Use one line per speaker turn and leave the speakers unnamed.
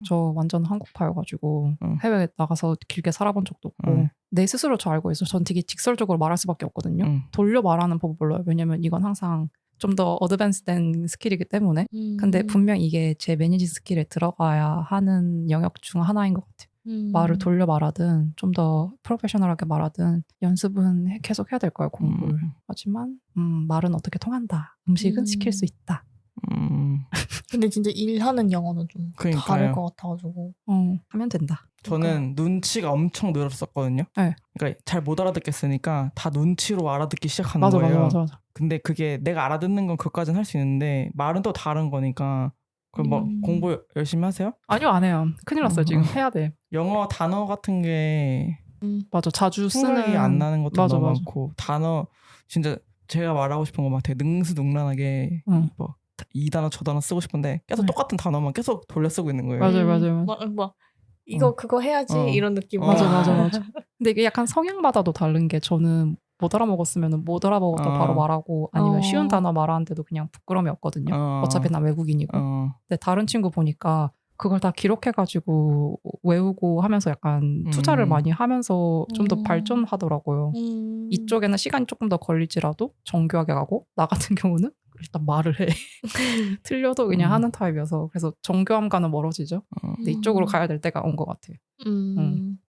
저 완전 한국파여가지고 해외에 나가서 길게 살아본 적도 없고 내 스스로 저 알고 있어요. 전 되게 직설적으로 말할 수밖에 없거든요. 돌려 말하는 법을 몰라요. 왜냐면 이건 항상 좀 더 어드밴스된 스킬이기 때문에. 근데 분명 이게 제 매니지 스킬에 들어가야 하는 영역 중 하나인 것 같아요. 말을 돌려 말하든 좀 더 프로페셔널하게 말하든 연습은 계속 해야 될 거예요. 공부를. 하지만 말은 어떻게 통한다. 음식은 시킬 수 있다.
근데 진짜 일하는 영어는 좀
그러니까요.
다를 것 같아가지고
하면 된다.
저는 눈치가 엄청 늘었었거든요.
네.
그러니까 잘 못 알아듣겠으니까 다 눈치로 알아듣기 시작하는 거예요.
맞아.
근데 그게 내가 알아듣는 건 그것까지는 할 수 있는데 말은 또 다른 거니까. 그럼 뭐 공부 열심히 하세요?
아니요, 안 해요. 큰일 났어요. 지금 해야 돼.
영어 단어 같은 게
맞아. 자주
생각이
쓰는
안 나는 것도
맞아,
너무
맞아.
많고 능스진짜 제가 말하고 싶은 거 막 되게 능수능란하게 뭐 이 단어 저 단어 쓰고 싶은데 계속 똑같은 단어만 계속 돌려 쓰고 있는 거예요.
맞아요.
뭐 이거 그거 해야지 이런 느낌.
맞아. 근데 이게 약간 성향마다도 다른 게 저는 못 알아먹었으면 못 알아먹었다 바로 말하고 아니면 쉬운 단어 말하는데도 그냥 부끄러움이 없거든요. 어차피 난 외국인이고. 근데 다른 친구 보니까 그걸 다 기록해가지고 외우고 하면서 약간 투자를 많이 하면서 좀 더 발전하더라고요. 이쪽에는 시간이 조금 더 걸릴지라도 정교하게 가고 나 같은 경우는 일단 말을 해. 틀려도 그냥 하는 타입이어서 그래서 정교함과는 멀어지죠. 근데 이쪽으로 가야 될 때가 온 것 같아요.